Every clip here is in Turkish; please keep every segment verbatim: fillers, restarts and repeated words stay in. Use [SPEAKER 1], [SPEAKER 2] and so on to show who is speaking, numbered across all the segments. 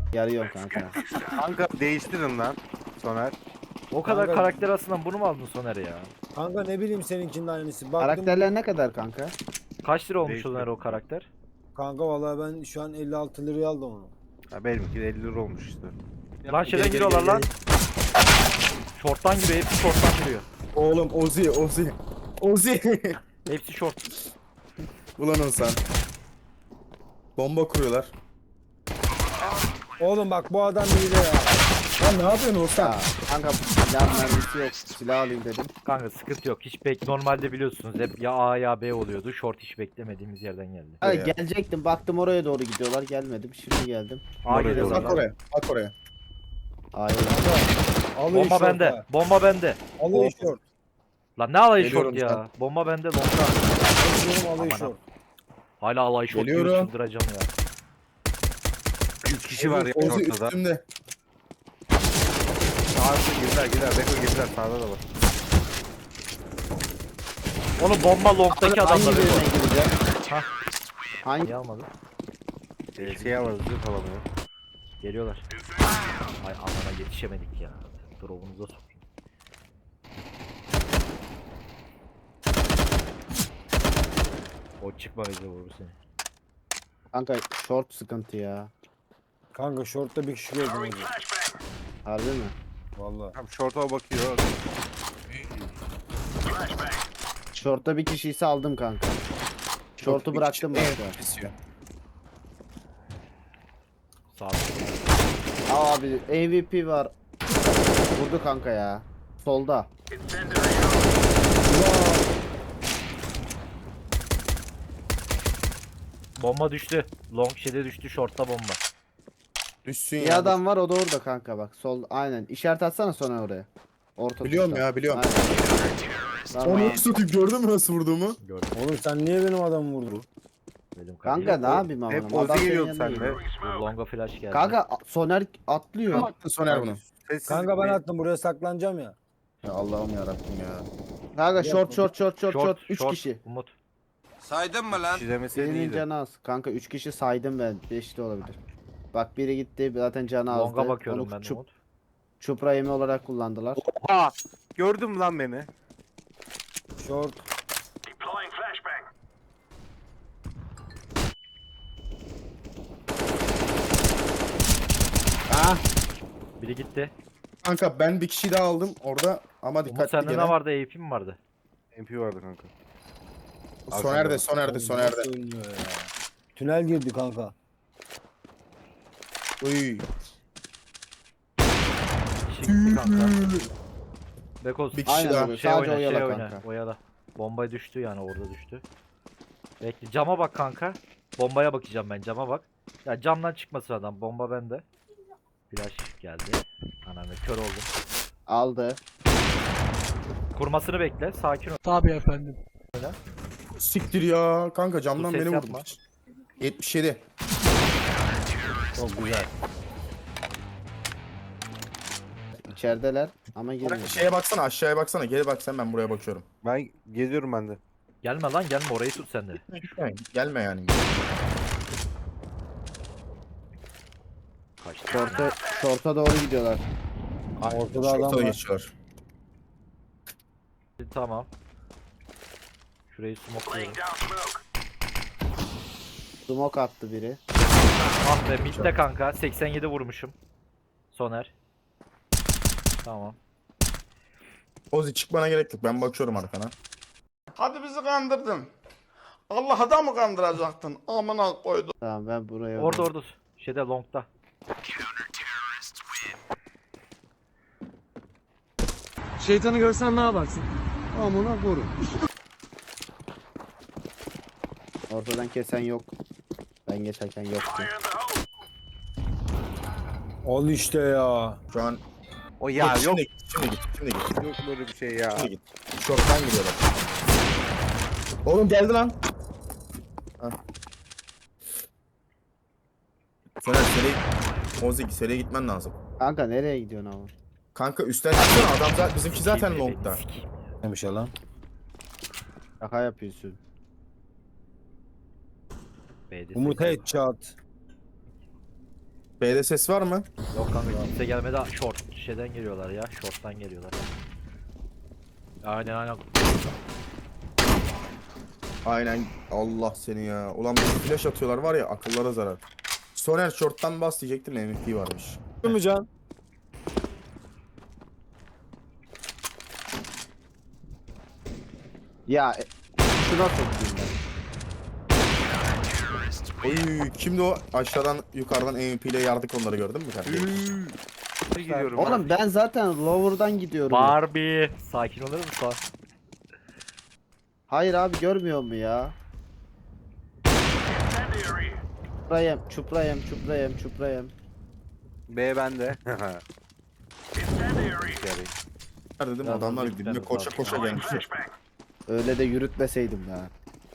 [SPEAKER 1] Yarıyorum kanka.
[SPEAKER 2] Kanka değiştirin lan Soner.
[SPEAKER 3] O kadar
[SPEAKER 4] Kanka-
[SPEAKER 3] karakter aslında bunu mu aldın Soner ya?
[SPEAKER 4] Kanka ne bileyim seninkinin aynısı. Baktım
[SPEAKER 1] Karakterler ne kadar kanka?
[SPEAKER 3] Kaç lira olmuş
[SPEAKER 2] Değişti.
[SPEAKER 3] Soner o karakter?
[SPEAKER 4] kanka vallahi ben şu an elli altı liraya aldım onu.
[SPEAKER 2] Ha, benimki de elli lira olmuş işte.
[SPEAKER 3] Lan şeyden
[SPEAKER 5] gel,
[SPEAKER 3] giriyorlar
[SPEAKER 5] gel,
[SPEAKER 3] lan. Şorttan giriyor, hepsi şorttan giriyor.
[SPEAKER 5] Oğlum Ozi Ozi. Ozi.
[SPEAKER 3] Hepsi şort.
[SPEAKER 5] Ulan Oğuzhan. Bomba kuruyorlar.
[SPEAKER 4] Oğlum bak bu adam hile ya.
[SPEAKER 5] Lan ne yapıyorsun Oğuzhan?
[SPEAKER 1] Ya kanka silah mermisi yok. Silah alayım dedim.
[SPEAKER 3] Kanka sıkıntı yok. Hiç bek normalde biliyorsunuz hep ya A ya B oluyordu. Short hiç beklemediğimiz yerden geldi.
[SPEAKER 1] Ha,
[SPEAKER 5] Ya.
[SPEAKER 1] gelecektim baktım oraya doğru gidiyorlar gelmedim. Şimdi geldim.
[SPEAKER 3] A
[SPEAKER 2] Oraya
[SPEAKER 3] geliyorlar
[SPEAKER 5] Bak
[SPEAKER 3] lan.
[SPEAKER 5] oraya. Bak oraya.
[SPEAKER 1] Hayır.
[SPEAKER 4] Alayı
[SPEAKER 3] Bomba
[SPEAKER 4] şort
[SPEAKER 3] bende.
[SPEAKER 4] ha.
[SPEAKER 3] Bomba bende.
[SPEAKER 4] Alayı şort.
[SPEAKER 3] Lan ne alayı
[SPEAKER 5] Geliyorum
[SPEAKER 3] short ya?
[SPEAKER 5] sen.
[SPEAKER 3] Bomba bende longda.
[SPEAKER 4] Alıyorum alayı
[SPEAKER 3] Aman
[SPEAKER 4] şort.
[SPEAKER 3] Hala alay short
[SPEAKER 5] Geliyorum.
[SPEAKER 3] diyor, çıldıracağım ya.
[SPEAKER 2] üç kişi var ya
[SPEAKER 5] Ozi
[SPEAKER 2] ortada.
[SPEAKER 5] üstümde.
[SPEAKER 2] Sağda girdiler girdiler. Beko girdiler sağda da var.
[SPEAKER 3] Oğlum bomba longdaki
[SPEAKER 1] Hangi
[SPEAKER 3] adamlar.
[SPEAKER 1] birine gireceğim?
[SPEAKER 3] Hah.
[SPEAKER 1] Hangi?
[SPEAKER 3] Niye almadı?
[SPEAKER 2] Ee, şey var zırh alamıyor.
[SPEAKER 3] Geliyorlar. Ay amına yetişemedik ya. Drop'unuza sokayım. O çıkma bize vurur seni.
[SPEAKER 1] Kanka short sıkıntı ya.
[SPEAKER 4] Kanka şortta bir kişi gördüm hadi.
[SPEAKER 1] Harbi mi?
[SPEAKER 4] Vallahi.
[SPEAKER 2] Tam şorta bakıyor.
[SPEAKER 1] Short'ta bir kişi ise aldım kanka. Short'u
[SPEAKER 5] Bir
[SPEAKER 1] bıraktım
[SPEAKER 5] kişi-
[SPEAKER 1] başka.
[SPEAKER 5] Evet, pisiyor.
[SPEAKER 3] Sağ ol.
[SPEAKER 1] Aa abi M V P var. Vurdu kanka ya. Solda.
[SPEAKER 3] Bomba düştü. Long şeyde düştü, short'ta bomba.
[SPEAKER 5] Düşsün
[SPEAKER 1] Bir
[SPEAKER 5] ya.
[SPEAKER 1] adam var o da orada kanka bak. Sol aynen. İşaret atsana sonra oraya. Orta
[SPEAKER 5] Biliyorum
[SPEAKER 1] tuştan.
[SPEAKER 5] ya, biliyorum.
[SPEAKER 1] Aynen. Tamam.
[SPEAKER 5] Onu satayım, gördün mü nasıl vurduğumu?
[SPEAKER 3] Gördüm.
[SPEAKER 4] Oğlum sen niye benim adamı vurdun?
[SPEAKER 3] Dedim
[SPEAKER 1] Kanka ne yapayım ama.
[SPEAKER 2] Hep
[SPEAKER 1] Adam
[SPEAKER 2] Ozi
[SPEAKER 1] senin
[SPEAKER 2] geliyordu
[SPEAKER 1] yanına
[SPEAKER 2] sende.
[SPEAKER 1] geliyor.
[SPEAKER 3] Bu longa flash geldi.
[SPEAKER 1] Kanka a- Soner atlıyor.
[SPEAKER 5] Kim attı Soner bunu?
[SPEAKER 2] Sessiz
[SPEAKER 4] Kanka ben
[SPEAKER 2] bir-
[SPEAKER 4] attım buraya saklanacağım ya.
[SPEAKER 5] Ya Allah'ım yarabbim ya.
[SPEAKER 1] Kanka short short short short short. üç
[SPEAKER 3] short,
[SPEAKER 1] kişi.
[SPEAKER 3] Umut.
[SPEAKER 6] Saydın mı lan?
[SPEAKER 2] kişi demeseydin
[SPEAKER 1] Birinin
[SPEAKER 2] iyiydi.
[SPEAKER 1] canı az. Kanka üç kişi saydım ben. beş de olabilir. Bak biri gitti zaten canı azdı.
[SPEAKER 3] Longa bakıyorum
[SPEAKER 1] Onu
[SPEAKER 3] ben de
[SPEAKER 1] çup,
[SPEAKER 3] Umut.
[SPEAKER 1] çupra yemi olarak kullandılar.
[SPEAKER 2] Oha! Gördün mü lan beni?
[SPEAKER 4] Şort.
[SPEAKER 1] Ah!
[SPEAKER 3] Biri gitti.
[SPEAKER 5] Kanka ben bir kişi daha aldım orada ama
[SPEAKER 3] Umut
[SPEAKER 5] dikkatli
[SPEAKER 3] sende
[SPEAKER 5] gene.
[SPEAKER 3] ne vardı? A P mi vardı?
[SPEAKER 2] M P vardı kanka.
[SPEAKER 5] Soner'de, Soner'de,
[SPEAKER 4] Oğlum
[SPEAKER 5] Soner'de.
[SPEAKER 4] nasıl ölmüyor ya? Tünel girdi kanka.
[SPEAKER 5] Uy.
[SPEAKER 3] Şimdi kanka. Bekoz.
[SPEAKER 5] Bir kişi
[SPEAKER 1] Aynen
[SPEAKER 5] daha.
[SPEAKER 1] öyle.
[SPEAKER 3] Şey
[SPEAKER 1] Sadece
[SPEAKER 3] oyna,
[SPEAKER 1] oyala
[SPEAKER 3] şey oyna.
[SPEAKER 1] kanka.
[SPEAKER 3] Oyala. Bomba düştü yani orada düştü. Bekle cama bak kanka. Bombaya bakacağım ben cama bak. Ya camdan çıkmasın adam. Bomba bende. Flash geldi. Anam kör oldum.
[SPEAKER 1] Aldı.
[SPEAKER 3] Kurmasını bekle. Sakin ol.
[SPEAKER 7] Tabii efendim.
[SPEAKER 5] Siktir ya. Kanka camdan
[SPEAKER 3] Dur, ses
[SPEAKER 5] beni
[SPEAKER 3] yapma.
[SPEAKER 5] vurdu. yetmiş yedi.
[SPEAKER 4] Çok güzel.
[SPEAKER 1] İçerideler ama girmiyor.
[SPEAKER 5] Şeye baksana, aşağıya baksana. Geri bak sen, ben buraya bakıyorum.
[SPEAKER 2] Ben geziyorum ben de.
[SPEAKER 3] Gelme lan gelme orayı tut sen de.
[SPEAKER 5] Yani gelme yani.
[SPEAKER 3] Kaçtı.
[SPEAKER 1] Short'a, short'a doğru gidiyorlar.
[SPEAKER 4] Ortada adam
[SPEAKER 5] Şorta
[SPEAKER 4] var.
[SPEAKER 5] geçiyorlar.
[SPEAKER 3] Tamam. Şurayı smokluyorum.
[SPEAKER 1] Smoke attı biri.
[SPEAKER 3] Ah be midde kanka. seksen yedi vurmuşum. Soner. Tamam.
[SPEAKER 5] Ozi çıkmana gerek yok. Ben bakıyorum arkana.
[SPEAKER 6] Hadi bizi kandırdın. Allah'a da mı kandıracaktın? Amına koydum.
[SPEAKER 1] Tamam ben buraya.
[SPEAKER 3] Orada orada. Şeyde longda.
[SPEAKER 7] Şeytanı görsen ne yaparsın?
[SPEAKER 1] Amına vurun. Ortadan kesen yok. Ben geçerken yoktu.
[SPEAKER 4] Ol işte ya.
[SPEAKER 5] Şu an
[SPEAKER 2] O ya yok.
[SPEAKER 5] Şimdi git, şimdi git, şimdi git.
[SPEAKER 2] Yok böyle bir şey ya.
[SPEAKER 5] Şimdi git. Şorttan gidiyorlar. Oğlum geldi lan. Ha. Soner seriye Ozi seriye gitmen lazım.
[SPEAKER 1] Kanka nereye gidiyorsun ama?
[SPEAKER 5] Kanka üstten çıksana, adam zaten bizimki zaten longda.
[SPEAKER 4] Neymiş ya lan?
[SPEAKER 1] Şaka yapıyorsun.
[SPEAKER 3] B'de
[SPEAKER 4] Umut
[SPEAKER 3] seksen.
[SPEAKER 4] headshot.
[SPEAKER 5] B'de ses var mı?
[SPEAKER 3] Yok kanka kimse gelmedi. Short şeyden geliyorlar ya. Short'tan geliyorlar. Aynen aynen.
[SPEAKER 5] Aynen. Allah seni ya. Ulan bir flash atıyorlar var ya, akıllara zarar. Soner short'tan bas diyecektim, M V P varmış.
[SPEAKER 4] Değil mi Can?
[SPEAKER 1] Ya e, şuna sokayım ben.
[SPEAKER 5] Oy, kimdi o? Aşağıdan yukarıdan M V P ile yardık onları, gördün mü kardeşim?
[SPEAKER 2] Bir gidiyorum.
[SPEAKER 1] Oğlum ben zaten lower'dan gidiyorum. ya.
[SPEAKER 3] Barbie. Sakin olur musun?
[SPEAKER 1] Hayır abi, görmüyor mu ya? Çuprayım, çuprayım, çuprayım, çuprayım.
[SPEAKER 2] B bende.
[SPEAKER 5] Nerede dedim,
[SPEAKER 3] Biraz
[SPEAKER 5] adamlar
[SPEAKER 3] hızlı
[SPEAKER 5] dibine
[SPEAKER 3] gitmemiz
[SPEAKER 5] koşa
[SPEAKER 3] lazım.
[SPEAKER 5] koşa gelmişler.
[SPEAKER 1] Öyle de yürütmeseydim ya.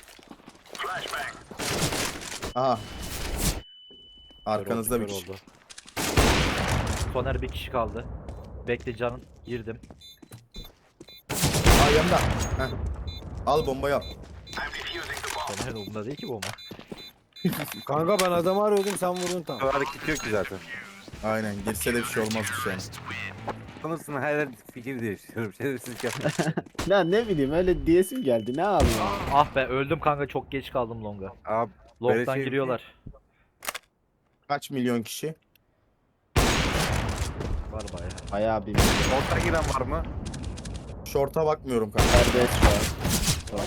[SPEAKER 5] Aha.
[SPEAKER 3] Kör
[SPEAKER 5] Arkanızda
[SPEAKER 3] oldu,
[SPEAKER 5] bir
[SPEAKER 3] kör
[SPEAKER 5] kişi.
[SPEAKER 3] oldu. Soner bir kişi kaldı. Bekle canın girdim.
[SPEAKER 5] Aa, yanında. Heh. Al bombayı al.
[SPEAKER 3] Soner'in umurunda değil ki bu ama.
[SPEAKER 4] Kanka ben adamı arıyordum, sen vurdun tam.
[SPEAKER 2] Hareket yok ki zaten.
[SPEAKER 5] Aynen, girse de bir şey olmazmış yani.
[SPEAKER 2] Sanırsın her yer fikir değiştiriyorum. Şerefsizlik yapma.
[SPEAKER 1] Lan ne bileyim, öyle diyesim geldi, ne yapayım?
[SPEAKER 3] Ah be öldüm kanka, çok geç kaldım longa.
[SPEAKER 2] Abi
[SPEAKER 3] Long'dan
[SPEAKER 2] şey-
[SPEAKER 3] giriyorlar.
[SPEAKER 5] Kaç milyon kişi?
[SPEAKER 3] Var bayağı.
[SPEAKER 1] Bayağı bir
[SPEAKER 2] orta giren var mı?
[SPEAKER 5] Short'a bakmıyorum kanka.
[SPEAKER 1] serbest şu an.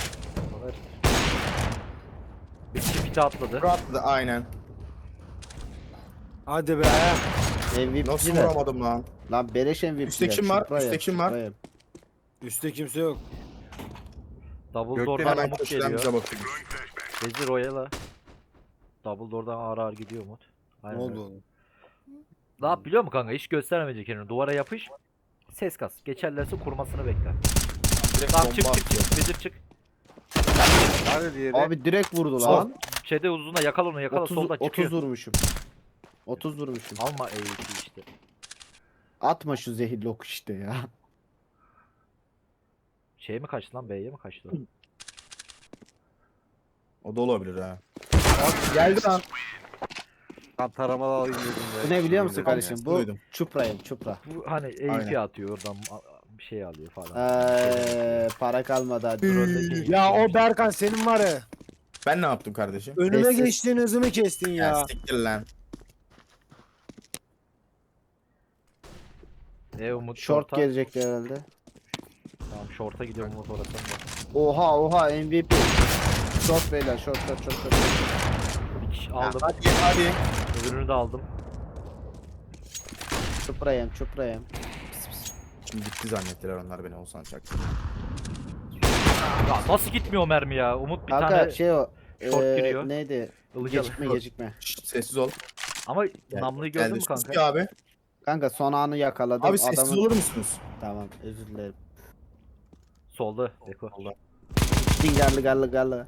[SPEAKER 3] Bir kişi pite atladı.
[SPEAKER 5] Short da aynen.
[SPEAKER 4] Hadi be.
[SPEAKER 1] M V P
[SPEAKER 5] Nasıl
[SPEAKER 1] de.
[SPEAKER 5] vuramadım lan?
[SPEAKER 1] Lan beleş M V P.
[SPEAKER 5] Üstte kim var? Üstte kim var?
[SPEAKER 4] Üstte kimse yok.
[SPEAKER 3] Double
[SPEAKER 2] Gökten
[SPEAKER 3] door'dan
[SPEAKER 5] Hemen
[SPEAKER 3] Umut
[SPEAKER 5] köşeden
[SPEAKER 3] geliyor.
[SPEAKER 5] bize bakıyor.
[SPEAKER 3] Bezi Royal'a. Double door'dan ağır ağır gidiyor Umut.
[SPEAKER 4] Ne
[SPEAKER 3] Aynen
[SPEAKER 4] oldu
[SPEAKER 3] öyle.
[SPEAKER 4] oğlum?
[SPEAKER 3] Ne yap biliyor musun kanka? Hiç göstermeyecek kendini. Duvara yapış. Ses kas. Geçerlerse kurmasını bekle.
[SPEAKER 5] Direkt
[SPEAKER 3] Tamam çık
[SPEAKER 5] bomba
[SPEAKER 3] çık
[SPEAKER 5] atıyor.
[SPEAKER 3] çık. Vezir çık.
[SPEAKER 2] Nerede diğeri?
[SPEAKER 1] Abi direkt vurdu
[SPEAKER 5] Sol.
[SPEAKER 1] lan.
[SPEAKER 3] Şeyde uzuna yakala onu yakala
[SPEAKER 1] otuz,
[SPEAKER 3] solda çıkıyor.
[SPEAKER 1] otuz vurmuşum. otuz vurmuşum.
[SPEAKER 3] Alma E iki işte.
[SPEAKER 1] Atma şu zehirli ok işte ya.
[SPEAKER 3] Şeye mi kaçtı lan, B'ye mi kaçtı?
[SPEAKER 5] O da olabilir ha.
[SPEAKER 1] Geldi lan.
[SPEAKER 2] Tam taramalı alayım dedim de.
[SPEAKER 1] Bu ne biliyor musun
[SPEAKER 2] Dedim
[SPEAKER 1] kardeşim?
[SPEAKER 2] ya.
[SPEAKER 1] Bu
[SPEAKER 5] Duydum.
[SPEAKER 1] çuprayım, çupra.
[SPEAKER 3] Bu hani E iki
[SPEAKER 5] Aynen.
[SPEAKER 3] atıyor oradan a- bir şey alıyor falan.
[SPEAKER 1] Eee para kalmadı hadi.
[SPEAKER 3] Drone'daki-
[SPEAKER 4] Ya o Berkan senin var ya.
[SPEAKER 5] Ben ne yaptım kardeşim?
[SPEAKER 4] Önüme
[SPEAKER 1] Sessiz.
[SPEAKER 4] geçtiğin hızımı kestin
[SPEAKER 5] Ya
[SPEAKER 4] ya.
[SPEAKER 5] siktir lan.
[SPEAKER 3] E Umut
[SPEAKER 1] Short
[SPEAKER 3] short'a.
[SPEAKER 1] gelecekti herhalde.
[SPEAKER 3] Tamam short'a gidiyorum Umut orasında.
[SPEAKER 1] Oha oha M V P. Short beyler, short short short short.
[SPEAKER 3] Bir kişi aldım.
[SPEAKER 5] Hadi hadi.
[SPEAKER 3] Öbürünü de aldım.
[SPEAKER 1] Çuprayım, çuprayım.
[SPEAKER 5] Şimdi gitti zannettiler onlar beni, olsan çak.
[SPEAKER 3] Ya nasıl gitmiyor o mermi ya? Umut bir
[SPEAKER 1] Kanka
[SPEAKER 3] tane
[SPEAKER 1] şey o.
[SPEAKER 3] short
[SPEAKER 1] eee,
[SPEAKER 3] giriyor.
[SPEAKER 1] Neydi?
[SPEAKER 3] ılıcalı.
[SPEAKER 1] Gecikme gecikme.
[SPEAKER 5] Şşt, sessiz ol.
[SPEAKER 3] Ama
[SPEAKER 5] Gel-
[SPEAKER 3] namluyu gördün mü
[SPEAKER 5] Geldi. Sus
[SPEAKER 3] kanka?
[SPEAKER 5] bir abi.
[SPEAKER 1] Kanka son anı yakaladım.
[SPEAKER 5] Abi sessiz
[SPEAKER 1] Adamın...
[SPEAKER 5] olur musunuz?
[SPEAKER 1] Tamam özür dilerim.
[SPEAKER 3] Solda Beko.
[SPEAKER 1] Dingarlı garlı garlı.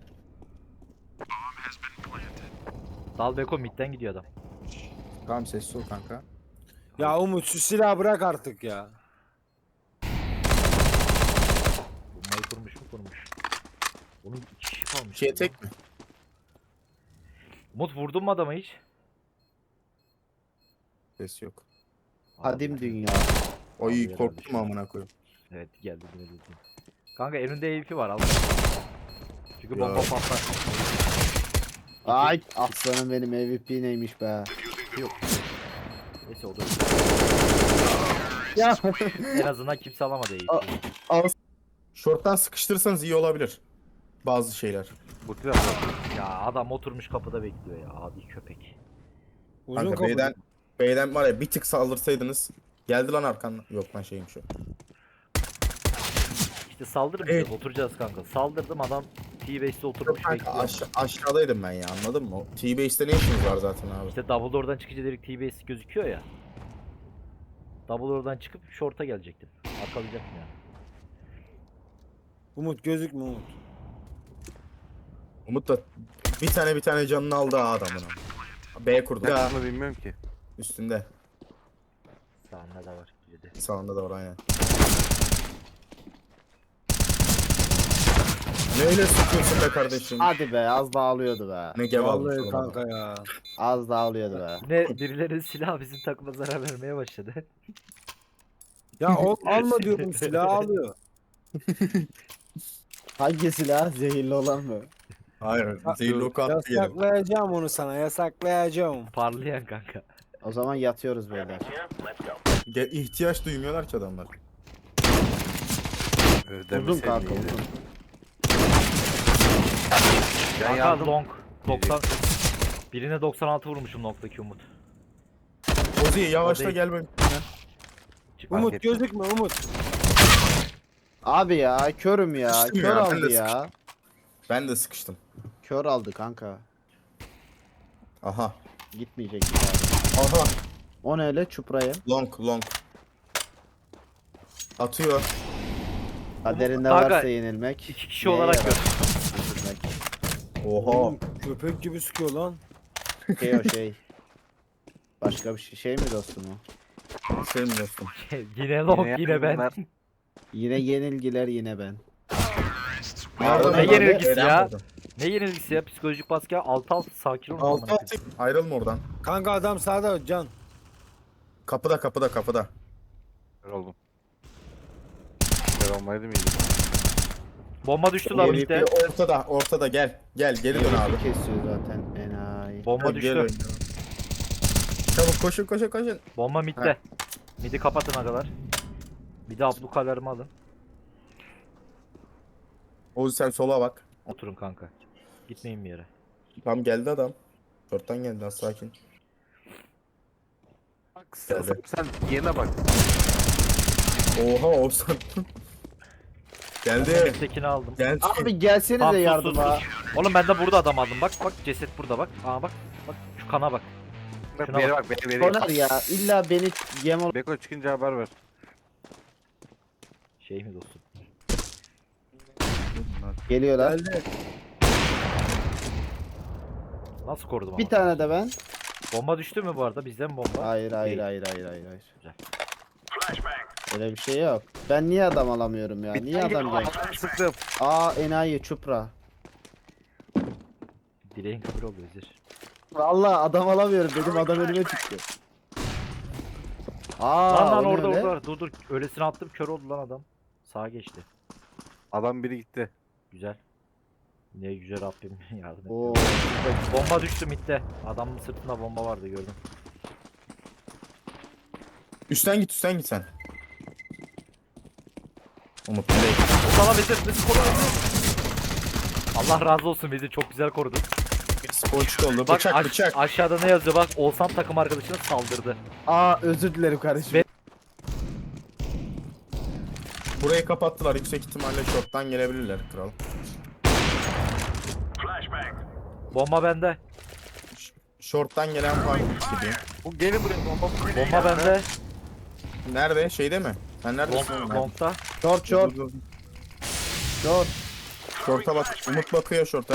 [SPEAKER 3] Dal Beko midden gidiyor adam.
[SPEAKER 5] Tamam sessiz ol kanka.
[SPEAKER 4] Ya Umut şu silahı bırak artık ya.
[SPEAKER 3] Bombayı kurmuş mu kurmuş. Onun iki kişi kalmış.
[SPEAKER 5] Şey
[SPEAKER 3] ya.
[SPEAKER 5] tek mi?
[SPEAKER 3] Umut vurdun mu adama hiç?
[SPEAKER 5] Ses yok.
[SPEAKER 1] Kadim dünya.
[SPEAKER 5] Oy
[SPEAKER 3] Abi herhalde
[SPEAKER 5] korktum
[SPEAKER 3] şu an.
[SPEAKER 5] amına koyayım.
[SPEAKER 3] Evet geldi yine dedim. Kanka elinde E V P var al. Çünkü
[SPEAKER 5] Ya.
[SPEAKER 3] bomba patlar.
[SPEAKER 1] Ay aslanım benim M V P neymiş be.
[SPEAKER 3] Yok. Neyse o da
[SPEAKER 1] Ya.
[SPEAKER 3] en azından kimse alamadı E V P'yi.
[SPEAKER 5] Short'tan sıkıştırırsanız iyi olabilir. Bazı şeyler.
[SPEAKER 2] Bu taraf.
[SPEAKER 3] Ya adam oturmuş kapıda bekliyor ya abi köpek.
[SPEAKER 4] Uzun
[SPEAKER 5] Kanka
[SPEAKER 4] kapı.
[SPEAKER 5] B'den, B'den var ya bir tık saldırsaydınız. Geldi lan arkandan. Yok lan şeymiş o.
[SPEAKER 3] İşte saldırmayacağız
[SPEAKER 5] Evet.
[SPEAKER 3] oturacağız kanka. Saldırdım adam T-Base'de
[SPEAKER 5] Yok
[SPEAKER 3] oturmuş
[SPEAKER 5] kanka
[SPEAKER 3] bekliyor.
[SPEAKER 5] aş aşağıdaydım ben ya, anladın mı? T-Base'de ne işiniz var zaten abi?
[SPEAKER 3] İşte double door'dan çıkınca direkt T-Base gözüküyor ya. Double door'dan çıkıp short'a gelecektim. Arkalayacaktım yani.
[SPEAKER 4] Umut gözükme Umut.
[SPEAKER 5] Umut da bir tane bir tane canını aldı ha adamın. B kurdu. Ya,
[SPEAKER 2] Bunu bilmiyorum ki.
[SPEAKER 5] üstünde.
[SPEAKER 3] Sağında da var biri de.
[SPEAKER 5] Sağında da var aynen. Neyle sıkıyorsun be kardeşim?
[SPEAKER 1] Hadi be az daha alıyordu be.
[SPEAKER 5] Ne gel almış
[SPEAKER 4] Vallahi
[SPEAKER 5] oğlum adam.
[SPEAKER 4] kanka ya.
[SPEAKER 1] Az daha alıyordu be.
[SPEAKER 3] Ne birilerinin silahı bizim takıma zarar vermeye başladı.
[SPEAKER 4] Ya ol, alma diyordum silahı alıyor.
[SPEAKER 1] Hangi silah? Zehirli olan mı?
[SPEAKER 5] Hayır. Zehirli oku attı geri.
[SPEAKER 4] Yasaklayacağım onu sana yasaklayacağım.
[SPEAKER 3] Parlayan kanka.
[SPEAKER 1] O zaman yatıyoruz beyler.
[SPEAKER 5] Ge- ihtiyaç duymuyorlar ki adamlar.
[SPEAKER 2] Öyle
[SPEAKER 1] Uzun
[SPEAKER 2] demeseydin
[SPEAKER 1] kanka
[SPEAKER 2] iyiydi.
[SPEAKER 1] uzun.
[SPEAKER 2] Ben
[SPEAKER 3] Kanka
[SPEAKER 2] yandım.
[SPEAKER 3] long. doksan. Birine doksan altı vurmuşum noktaki Umut.
[SPEAKER 5] Ozi yavaşla
[SPEAKER 3] değil.
[SPEAKER 5] gel benim.
[SPEAKER 3] Çık
[SPEAKER 4] Umut
[SPEAKER 2] ettim.
[SPEAKER 4] gözükme Umut.
[SPEAKER 1] Abi ya körüm ya.
[SPEAKER 5] Sıkıştım
[SPEAKER 1] Kör
[SPEAKER 5] ya, ben
[SPEAKER 1] aldı
[SPEAKER 5] de
[SPEAKER 1] ya.
[SPEAKER 5] Ben de sıkıştım.
[SPEAKER 1] Kör aldı kanka.
[SPEAKER 5] Aha.
[SPEAKER 1] Gitmeyecek bir daha.
[SPEAKER 5] Aha.
[SPEAKER 1] O ne öyle çuprayı?
[SPEAKER 5] Long long. Atıyor.
[SPEAKER 1] Kaderinde
[SPEAKER 3] Kanka,
[SPEAKER 1] varsa yenilmek.
[SPEAKER 3] iki kişi
[SPEAKER 1] neye
[SPEAKER 3] olarak
[SPEAKER 1] yarar?
[SPEAKER 3] gör.
[SPEAKER 1] Yenilmek.
[SPEAKER 5] Oha.
[SPEAKER 4] Oğlum, köpek gibi sıkıyor lan.
[SPEAKER 1] Şey o şey. Başka bir şey, şey mi dostum o?
[SPEAKER 5] Senin dostum.
[SPEAKER 3] Yine long
[SPEAKER 2] Yine
[SPEAKER 3] yine ben.
[SPEAKER 2] bunlar.
[SPEAKER 1] Yine yenilgiler yine ben.
[SPEAKER 5] Nereden
[SPEAKER 3] ne
[SPEAKER 5] buldun?
[SPEAKER 3] yenilgisi
[SPEAKER 5] Eren
[SPEAKER 3] ya?
[SPEAKER 5] buldun.
[SPEAKER 3] Ne yenilgisi ya? Psikolojik baskı ya. Altı altı sakin ol.
[SPEAKER 5] Altı altı. Ayrılma oradan.
[SPEAKER 4] Kanka adam sağda can.
[SPEAKER 5] Kapıda kapıda kapıda.
[SPEAKER 2] Kör oldum. Kör olmaydı mıydı?
[SPEAKER 3] Bomba düştü lan
[SPEAKER 1] Yeni
[SPEAKER 3] midde.
[SPEAKER 5] Bir ortada ortada gel. Gel geri dön abi.
[SPEAKER 1] Kesiyor zaten enayi.
[SPEAKER 3] Bomba
[SPEAKER 5] Gel,
[SPEAKER 3] düştü.
[SPEAKER 5] gel. Çabuk koşun koşun koşun.
[SPEAKER 3] Bomba midde. Midi kapatın agalar. Bir de ablukalarımı alın.
[SPEAKER 5] Ozi sen sola bak.
[SPEAKER 3] Oturun kanka. Gitmeyin bir yere.
[SPEAKER 5] Tam geldi adam. Short'tan geldi az sakin.
[SPEAKER 2] Bak sen, sen, sen yerine bak.
[SPEAKER 5] Oha Oğuzhan. geldi.
[SPEAKER 3] Mid'dekini aldım.
[SPEAKER 5] Gel.
[SPEAKER 1] Abi gelsenize
[SPEAKER 3] Tamam, sus,
[SPEAKER 1] yardıma.
[SPEAKER 3] sus, sus. Oğlum ben de burada adam aldım. Bak bak ceset burada bak. Aa bak. Bak şu kana bak.
[SPEAKER 2] Bak
[SPEAKER 3] Şuna
[SPEAKER 2] bir yere bak. Bir yere
[SPEAKER 1] Soner ya illa beni yem ol.
[SPEAKER 2] Beko çıkınca haber ver.
[SPEAKER 3] Şey mi dostum?
[SPEAKER 1] Geliyorlar.
[SPEAKER 4] Geldi.
[SPEAKER 3] Nasıl korudum
[SPEAKER 1] Bir
[SPEAKER 3] ama?
[SPEAKER 1] tane de ben.
[SPEAKER 3] Bomba düştü mü bu arada? Bizden bomba.
[SPEAKER 1] Hayır hayır
[SPEAKER 3] Değil.
[SPEAKER 1] hayır hayır hayır. hayır.
[SPEAKER 3] Güzel.
[SPEAKER 1] Öyle bir şey yok. Ben niye adam alamıyorum ya? Niye adam gel?
[SPEAKER 2] Sıktım.
[SPEAKER 1] Aa enayi çupra.
[SPEAKER 3] Dileğin kabul oldu Vezir.
[SPEAKER 1] Vallahi adam alamıyorum. Benim adam önüme çıktı. Aa
[SPEAKER 3] Lan lan
[SPEAKER 1] o ne
[SPEAKER 3] orada
[SPEAKER 1] öyle?
[SPEAKER 3] orada. Dur dur. Öylesine attım kör oldu lan adam. Sağa geçti.
[SPEAKER 2] Adam biri gitti.
[SPEAKER 3] Güzel. Ne güzel Rabbim yardım et.
[SPEAKER 1] Oo.
[SPEAKER 3] Bomba düştü midde. Adamın sırtında bomba vardı gördüm.
[SPEAKER 5] Üstten git üstten git sen. Umut nereye?
[SPEAKER 3] Sana Vezir. Vezir koru Vezir. Allah razı olsun Vezir çok güzel korudu.
[SPEAKER 5] Ponçik oldu.
[SPEAKER 3] Bak
[SPEAKER 5] Bıçak
[SPEAKER 3] aş-
[SPEAKER 5] bıçak.
[SPEAKER 3] aşağıda ne yazıyor bak. Oğuzhan takım arkadaşına saldırdı.
[SPEAKER 1] Aa özür dilerim kardeşim.
[SPEAKER 3] Be-
[SPEAKER 5] Burayı kapattılar. Yüksek ihtimalle short'tan gelebilirler kral.
[SPEAKER 3] Bomba bende.
[SPEAKER 5] Short'tan gelen falan gibi.
[SPEAKER 2] Bu gelin buraya bomba.
[SPEAKER 3] Bomba bende.
[SPEAKER 5] Nerede? Şeyde mi? Sen neredesin?
[SPEAKER 3] Long,
[SPEAKER 5] oğlum?
[SPEAKER 3] long'da.
[SPEAKER 1] Short short
[SPEAKER 5] Dur, dur, dur.
[SPEAKER 1] short.
[SPEAKER 5] Short'a bak. Umut bakıyor short'a.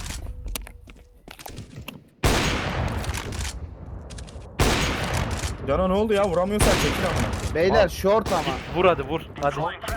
[SPEAKER 5] Cana ne oldu ya? Vuramıyorsan çekil amına.
[SPEAKER 1] Beyler short ama.
[SPEAKER 3] Vur hadi vur. Hadi.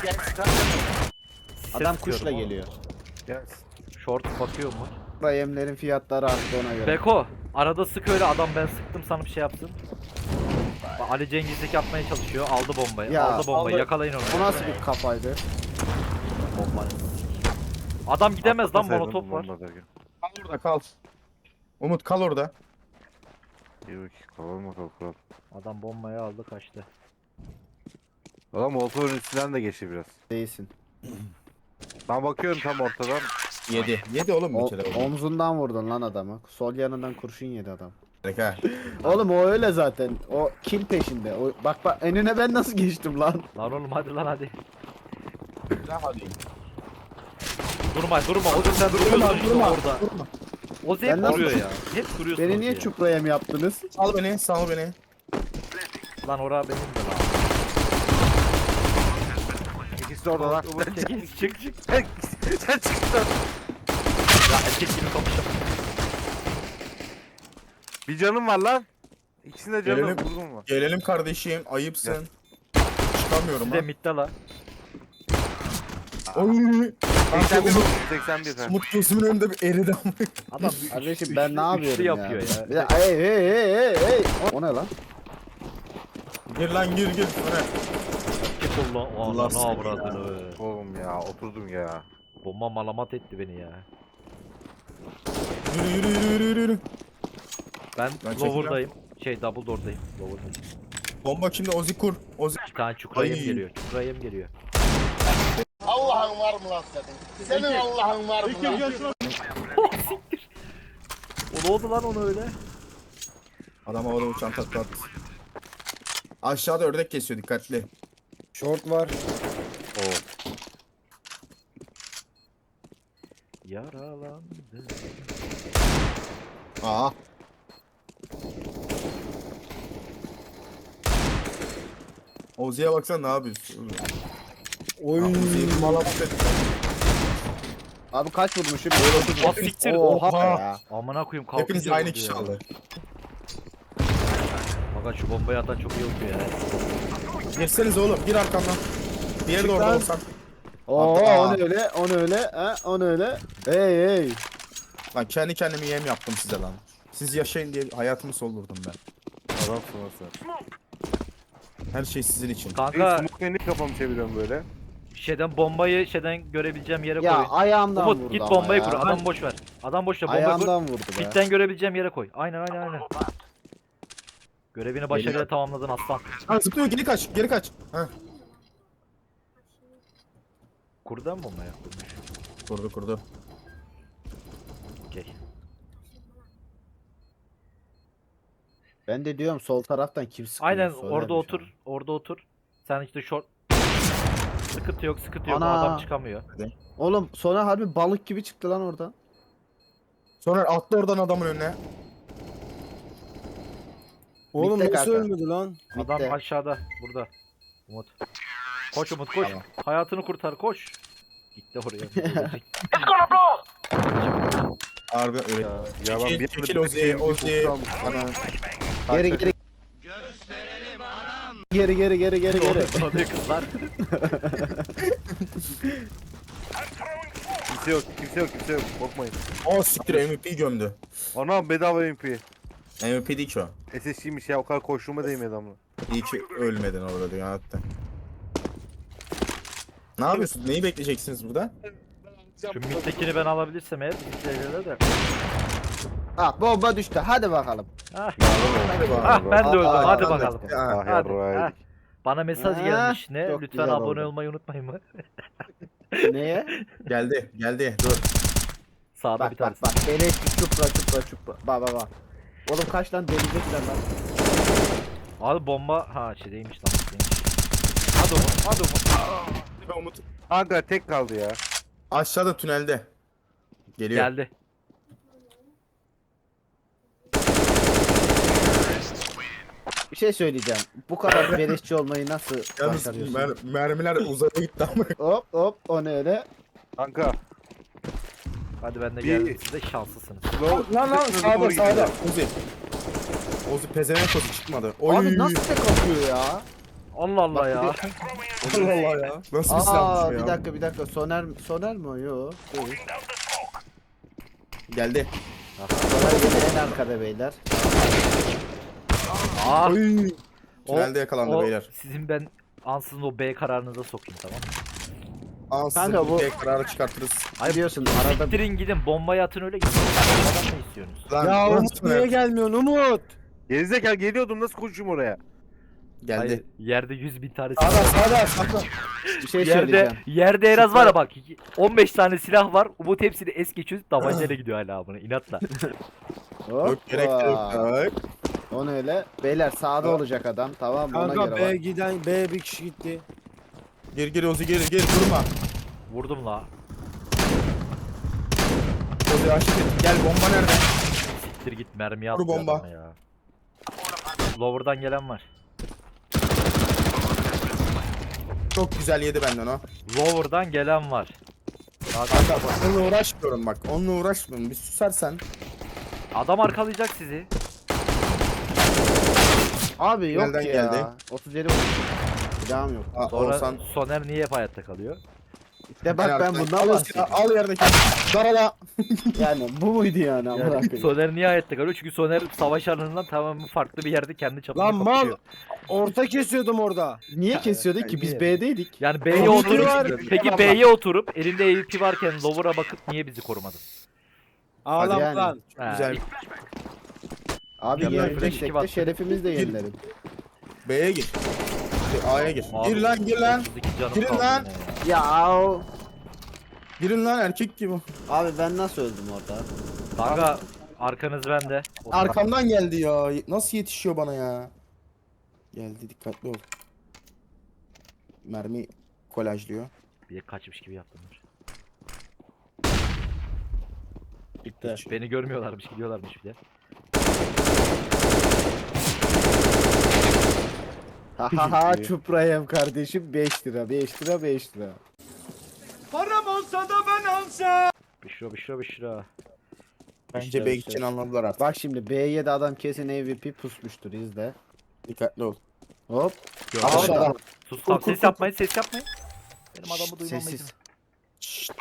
[SPEAKER 1] Adam
[SPEAKER 3] Ses
[SPEAKER 1] kuşla
[SPEAKER 3] tutuyorum oğlum.
[SPEAKER 1] geliyor.
[SPEAKER 2] Gel.
[SPEAKER 3] Short bakıyor mu?
[SPEAKER 1] Yemlerin fiyatları arttı ona göre.
[SPEAKER 3] Beko arada sık öyle adam ben sıktım sana bir şey yapsın. Bak, Ali Cengizlik yapmaya çalışıyor. Aldı bombayı.
[SPEAKER 1] Ya,
[SPEAKER 3] aldı bombayı.
[SPEAKER 1] aldı.
[SPEAKER 3] Yakalayın onu.
[SPEAKER 1] O nasıl bir kafaydı?
[SPEAKER 3] Bomba. Adam gidemez lan
[SPEAKER 2] Atlasaydın
[SPEAKER 3] molotof var.
[SPEAKER 2] bomba derken.
[SPEAKER 5] Kal orada kal. Umut kal orada.
[SPEAKER 2] İyi bak. Kalalım bakalım kural.
[SPEAKER 3] Adam bombayı aldı kaçtı.
[SPEAKER 2] Adam motorun üstünden de geçti biraz.
[SPEAKER 1] Değilsin.
[SPEAKER 2] Ben bakıyorum tam ortadan.
[SPEAKER 5] Yedi. Yedi oğlum bir
[SPEAKER 1] O,
[SPEAKER 5] kere.
[SPEAKER 1] omzundan vurdun lan adamı. Sol yanından kurşun yedi adam.
[SPEAKER 5] Direkt ha.
[SPEAKER 1] Oğlum o öyle zaten. O kill peşinde. O, bak bak önüne ben nasıl geçtim lan?
[SPEAKER 3] Lan oğlum hadi lan hadi.
[SPEAKER 5] Hadi.
[SPEAKER 3] Durma durma. O sen duruyorsun işte
[SPEAKER 1] durma,
[SPEAKER 3] orada. O
[SPEAKER 1] Ben
[SPEAKER 3] hep
[SPEAKER 1] nasıl-
[SPEAKER 3] duruyor ya. Hep duruyorsun.
[SPEAKER 1] Beni niye
[SPEAKER 3] orada ya.
[SPEAKER 1] çupraya mı yaptınız?
[SPEAKER 5] Sal beni, sal beni.
[SPEAKER 3] Lan ora benim de lan.
[SPEAKER 2] İkisi de orada lan.
[SPEAKER 3] Umut çekil çık çık.
[SPEAKER 2] Sen sen çıktın.
[SPEAKER 3] Ya erkek gibi konuşalım.
[SPEAKER 2] Bir canım var lan. İkisinde canım
[SPEAKER 5] Gelelim.
[SPEAKER 2] vurdum var.
[SPEAKER 5] Gelelim kardeşim, ayıpsın. Çıkamıyorum
[SPEAKER 3] Bir de
[SPEAKER 5] ha.
[SPEAKER 3] midde la.
[SPEAKER 5] Oy.
[SPEAKER 2] seksen bir
[SPEAKER 5] Umut,
[SPEAKER 2] vurdu, seksen bir sen.
[SPEAKER 5] Umut gözümün önünde bir eridi ama.
[SPEAKER 3] Adam
[SPEAKER 1] Kardeşim ben ne yapıyorum
[SPEAKER 3] üçlü
[SPEAKER 1] ya?
[SPEAKER 3] yapıyor ya.
[SPEAKER 1] Bir de hey hey hey hey hey. O ne lan?
[SPEAKER 5] Gir lan gir gir. Soner.
[SPEAKER 3] Git Allah
[SPEAKER 5] Allah
[SPEAKER 3] Allah ne
[SPEAKER 5] seni
[SPEAKER 3] avradını.
[SPEAKER 2] Oğlum ya oturdum ya.
[SPEAKER 3] Bomba malamat etti beni ya.
[SPEAKER 5] Yürü yürü yürü yürü yürü.
[SPEAKER 3] Ben,
[SPEAKER 5] Ben çekeceğim.
[SPEAKER 3] lower'dayım. Şey double door'dayım. Lower'dayım.
[SPEAKER 5] Bomba şimdi Ozi kur. Ozi.
[SPEAKER 3] Bir tane çukurayım
[SPEAKER 5] Ay.
[SPEAKER 3] geliyor. Çukurayım geliyor.
[SPEAKER 6] Allah'ın var mı lan senin? Senin Allah'ın var mı lan?
[SPEAKER 3] O ne oldu lan onu öyle?
[SPEAKER 5] Adam havada uçan takla attı. Aşağıda ördek kesiyor dikkatli.
[SPEAKER 4] Short var.
[SPEAKER 3] Yaralandı.
[SPEAKER 5] Aa. Ozi'ye baksana ne yapıyorsun?
[SPEAKER 4] Oy.
[SPEAKER 5] Ozi'yi malamat etti.
[SPEAKER 1] Abi kaç vurmuşum?
[SPEAKER 3] Ah siktir.
[SPEAKER 1] Oha
[SPEAKER 5] Oha.
[SPEAKER 1] ya.
[SPEAKER 3] Amına koyayım kalkınca
[SPEAKER 5] Hepiniz aynı
[SPEAKER 3] vurdu
[SPEAKER 5] kişi
[SPEAKER 3] ya.
[SPEAKER 5] aldı.
[SPEAKER 3] Fakat şu bombayı atan çok iyi okuyor ya.
[SPEAKER 5] Girseniz oğlum gir arkamdan. Diğeri de orada
[SPEAKER 1] lan.
[SPEAKER 5] olsan.
[SPEAKER 1] Oo
[SPEAKER 5] Aa.
[SPEAKER 1] o ne öyle? O ne öyle? Ha? O ne öyle? Hey hey.
[SPEAKER 5] Lan kendi kendime yem yaptım size lan. Siz yaşayın diye hayatımı soldurdum ben.
[SPEAKER 2] Adamsın nasıl?
[SPEAKER 5] Her şey sizin için.
[SPEAKER 3] Kanka
[SPEAKER 2] Smoke'la niye kafamı çeviriyorum böyle?
[SPEAKER 3] şeyden bombayı şeyden görebileceğim yere
[SPEAKER 1] Ya
[SPEAKER 3] koy.
[SPEAKER 1] ayağımdan
[SPEAKER 3] Umut
[SPEAKER 1] vurdu
[SPEAKER 3] git
[SPEAKER 1] ama
[SPEAKER 3] bombayı
[SPEAKER 1] ya.
[SPEAKER 3] kur. Adam boş ver. Adam boş ver. Bombayı kur.
[SPEAKER 1] Ayağımdan vurdu be.
[SPEAKER 3] Fitten görebileceğim yere koy. Aynen aynen aynen. Görevini başarıyla tamamladın aslan.
[SPEAKER 5] Ha zıplıyor geri kaç geri kaç. Ha.
[SPEAKER 3] Kurdan mı bombayı? Kurmuş.
[SPEAKER 5] Kurdu kurdu.
[SPEAKER 3] Okey.
[SPEAKER 1] Ben de diyorum sol taraftan kim sıkıyor?
[SPEAKER 3] Aynen
[SPEAKER 1] Soner'miş
[SPEAKER 3] orada
[SPEAKER 1] ama.
[SPEAKER 3] otur. Orada otur. Sen işte short. Sıkıntı yok sıkıntı yok.
[SPEAKER 1] Ana.
[SPEAKER 3] Adam çıkamıyor.
[SPEAKER 1] Oğlum sonra harbi balık gibi çıktı lan oradan.
[SPEAKER 5] Sonra atla oradan adamın önüne.
[SPEAKER 4] Oğlum
[SPEAKER 1] Bitti
[SPEAKER 4] nasıl
[SPEAKER 1] kanka.
[SPEAKER 4] ölmedi lan?
[SPEAKER 3] Adam
[SPEAKER 1] Bitti.
[SPEAKER 3] aşağıda. Burada. Umut. Koş Umut koş.
[SPEAKER 1] Tamam.
[SPEAKER 3] Hayatını kurtar koş. Gitti oraya.
[SPEAKER 5] Harbi öyle.
[SPEAKER 2] Ya, ya ben
[SPEAKER 5] Çekil,
[SPEAKER 2] bir
[SPEAKER 5] çekil
[SPEAKER 2] anda
[SPEAKER 5] Ozi,
[SPEAKER 2] bir
[SPEAKER 5] Ozi.
[SPEAKER 2] kokusu aldım. Ana.
[SPEAKER 1] Geri geri. Geri geri geri geri geri.
[SPEAKER 3] O ne kızlar?
[SPEAKER 2] Kimse yok, kimse yok, kimse yok. Korkmayın.
[SPEAKER 5] O siktir M V P gömdü.
[SPEAKER 2] Ana bedava M P.
[SPEAKER 5] M V P değil ki o.
[SPEAKER 2] S S G'ymiş ya o kadar koştuğuma değmedi ama.
[SPEAKER 5] İyi ki ölmedin orada diyor hatta. Ne yapıyorsun? Neyi bekleyeceksiniz burada?
[SPEAKER 3] Şu mid'dekini ben alabilirsem eğer bizimkilerle de.
[SPEAKER 1] Ah bomba düştü. Hadi bakalım.
[SPEAKER 3] Ah,
[SPEAKER 5] Hadi bakalım.
[SPEAKER 3] ah ben de öldüm.
[SPEAKER 1] Aa,
[SPEAKER 3] Hadi
[SPEAKER 1] aa,
[SPEAKER 3] bakalım.
[SPEAKER 5] Ah,
[SPEAKER 2] Ah
[SPEAKER 3] Hadi.
[SPEAKER 2] yarrağıydık.
[SPEAKER 3] ah. Bana mesaj
[SPEAKER 1] Ah,
[SPEAKER 3] gelmiş ne?
[SPEAKER 1] çok
[SPEAKER 3] Lütfen
[SPEAKER 1] güzel
[SPEAKER 3] abone
[SPEAKER 1] oldu.
[SPEAKER 3] olmayı unutmayın mı?
[SPEAKER 1] Neye?
[SPEAKER 5] Geldi, geldi. Dur.
[SPEAKER 3] Sağda bir
[SPEAKER 1] Bak bak
[SPEAKER 3] tanesi.
[SPEAKER 1] bak. Beleş bir çupra çupra çupra. Bak bak bak. Oğlum kaç lan delecekler lan.
[SPEAKER 3] Abi bomba ha şeydeymiş lan. Şeydeymiş. Hadi Umut, hadi Umut.
[SPEAKER 5] Umut.
[SPEAKER 2] Kanka tek kaldı ya.
[SPEAKER 5] Aşağıda tünelde. Geliyor.
[SPEAKER 3] Geldi.
[SPEAKER 1] Bir şey söyleyeceğim. Bu kadar beleşçi olmayı nasıl
[SPEAKER 5] Yalnız
[SPEAKER 1] başarıyorsun?
[SPEAKER 5] mer mermiler uzaya gitti ama.
[SPEAKER 1] Hop hop o ne öyle?
[SPEAKER 2] Kanka.
[SPEAKER 3] Hadi ben de
[SPEAKER 2] Bir-
[SPEAKER 3] geldim size şanslısınız.
[SPEAKER 2] Slow.
[SPEAKER 5] Lan lan
[SPEAKER 2] Hızlı
[SPEAKER 5] sağda
[SPEAKER 2] doğru
[SPEAKER 5] sağda.
[SPEAKER 2] gidiyor.
[SPEAKER 5] Ozi. Ozi pezevenk Ozi çıkmadı. Oy.
[SPEAKER 1] Abi nasıl tek atıyor ya?
[SPEAKER 3] Allah Allah
[SPEAKER 1] Bak,
[SPEAKER 3] ya.
[SPEAKER 1] bir
[SPEAKER 5] Allah Allah ya. Nasıl bir
[SPEAKER 1] Aa
[SPEAKER 5] silahmış ya?
[SPEAKER 1] bir dakika bir dakika. Soner Soner mi o? Yo. Değil.
[SPEAKER 5] Geldi.
[SPEAKER 1] Soner gene en arkada beyler.
[SPEAKER 3] Ah,
[SPEAKER 5] Oy.
[SPEAKER 3] o-
[SPEAKER 5] Tünelde yakalandı
[SPEAKER 3] o
[SPEAKER 5] beyler.
[SPEAKER 3] Sizin ben ansızın o B kararınıza sokayım tamam mı?
[SPEAKER 5] Aa size
[SPEAKER 1] Kanka,
[SPEAKER 5] bu
[SPEAKER 1] bu-
[SPEAKER 5] tek kararı çıkartırız.
[SPEAKER 1] Biliyorsun arada
[SPEAKER 3] Siktirin gidin bombayı atın öyle gidin. Adam ne istiyorsunuz?
[SPEAKER 5] Lan,
[SPEAKER 4] Ya
[SPEAKER 5] lan
[SPEAKER 4] Umut
[SPEAKER 5] Soner.
[SPEAKER 4] niye gelmiyorsun Umut?
[SPEAKER 2] Gerizekalı geliyordum nasıl koşayım oraya?
[SPEAKER 5] Geldi.
[SPEAKER 3] Hayır, yerde yüz bin tane
[SPEAKER 5] Sağda
[SPEAKER 3] silah.
[SPEAKER 5] sağda sağda.
[SPEAKER 1] bir şey
[SPEAKER 3] Yerde,
[SPEAKER 1] söyleyeceğim.
[SPEAKER 3] yerde en az var ya bak on beş tane silah var. Umut hepsini es geçiyor. Tabancayla gidiyor hala buna inatla.
[SPEAKER 5] Yok gerek de yok.
[SPEAKER 1] Hoppa.
[SPEAKER 5] Ay.
[SPEAKER 1] O ne öyle? Beyler sağda olacak adam tamam mı? Ona
[SPEAKER 4] Kanka
[SPEAKER 1] göre
[SPEAKER 4] B
[SPEAKER 1] bak.
[SPEAKER 4] giden B bir kişi gitti.
[SPEAKER 5] Gir gir Ozi gir gir durma.
[SPEAKER 3] Vurdum la.
[SPEAKER 5] Ozi aşık et. Gel bomba nerede?
[SPEAKER 3] Siktir git mermi
[SPEAKER 5] Vur
[SPEAKER 3] attı
[SPEAKER 5] bomba.
[SPEAKER 3] adama ya. Lower'dan gelen var.
[SPEAKER 5] Çok güzel yedi benden o.
[SPEAKER 3] Lower'dan gelen var. Daha
[SPEAKER 5] Kanka bak onunla uğraşmıyorum bak. Onunla uğraşmıyorum. Bir susarsan.
[SPEAKER 3] adam arkalayacak sizi.
[SPEAKER 1] Abi yok
[SPEAKER 5] Nereden
[SPEAKER 1] ya.
[SPEAKER 5] geldi?
[SPEAKER 1] otuz yedi vurmuş. Silahım yok.
[SPEAKER 5] Aa,
[SPEAKER 3] Sonra
[SPEAKER 5] Oğuzhan
[SPEAKER 3] Soner niye hep hayatta kalıyor?
[SPEAKER 1] De bak ben bundan
[SPEAKER 5] al,
[SPEAKER 1] bahsediyorum.
[SPEAKER 5] al yerdeki. Darala.
[SPEAKER 1] Yani bu muydu yani amına
[SPEAKER 3] Yani
[SPEAKER 1] koyayım?
[SPEAKER 3] Soner niye hayatta kalıyor? Çünkü Soner savaş alanından tamamen farklı bir yerde kendi çapında
[SPEAKER 4] Lan mal.
[SPEAKER 3] kapışıyor.
[SPEAKER 4] Orta kesiyordum orada.
[SPEAKER 1] Niye kesiyorduk ki biz
[SPEAKER 3] niye?
[SPEAKER 1] B'deydik?
[SPEAKER 3] Yani B'ye
[SPEAKER 4] Tabii ki
[SPEAKER 3] oturup
[SPEAKER 4] var.
[SPEAKER 3] peki B'ye oturup elinde A W P varken lower'a bakıp niye bizi korumadın?
[SPEAKER 4] Ağlam
[SPEAKER 1] yani.
[SPEAKER 4] lan.
[SPEAKER 3] Ha,
[SPEAKER 5] Güzel.
[SPEAKER 1] Abi
[SPEAKER 3] Ya ben
[SPEAKER 1] yenileceksek
[SPEAKER 3] flash
[SPEAKER 1] de
[SPEAKER 3] battım.
[SPEAKER 1] şerefimiz de yenilerim.
[SPEAKER 5] B'ye gir. Şey, A'ya gir.
[SPEAKER 3] Abi,
[SPEAKER 5] Gir lan gir lan.
[SPEAKER 3] otuz iki canım
[SPEAKER 5] Girin
[SPEAKER 3] kaldı
[SPEAKER 5] lan.
[SPEAKER 3] yine ya.
[SPEAKER 1] Ya
[SPEAKER 5] Girin lan erkek gibi.
[SPEAKER 1] abi ben nasıl öldüm orada?
[SPEAKER 3] Kanka arkanız bende.
[SPEAKER 5] Arkamdan geldi ya. Nasıl yetişiyor bana ya? Geldi dikkatli ol. Mermi kolajlıyor.
[SPEAKER 3] Bir de kaçmış gibi yaptım.
[SPEAKER 1] Bitti.
[SPEAKER 3] Beni görmüyorlarmış, gidiyorlarmış bir de.
[SPEAKER 1] Ha ha ha çuprayım kardeşim beş lira beş lira beş lira.
[SPEAKER 3] Büşra büşra büşra.
[SPEAKER 5] Bence
[SPEAKER 1] İşte,
[SPEAKER 5] B
[SPEAKER 1] işte.
[SPEAKER 5] için anladılar artık.
[SPEAKER 1] Bak şimdi B'ye de adam kesin A W P pusmuştur izle.
[SPEAKER 5] Dikkatli ol.
[SPEAKER 1] Hop.
[SPEAKER 3] Gördüm.
[SPEAKER 1] Aşağıda.
[SPEAKER 3] Sus
[SPEAKER 1] Kur,
[SPEAKER 3] tamam
[SPEAKER 1] kur,
[SPEAKER 3] ses
[SPEAKER 1] kur,
[SPEAKER 3] yapmayın ses yapmayın. Benim adamı duymam
[SPEAKER 1] Sessiz.
[SPEAKER 3] lazım.
[SPEAKER 5] Şşt.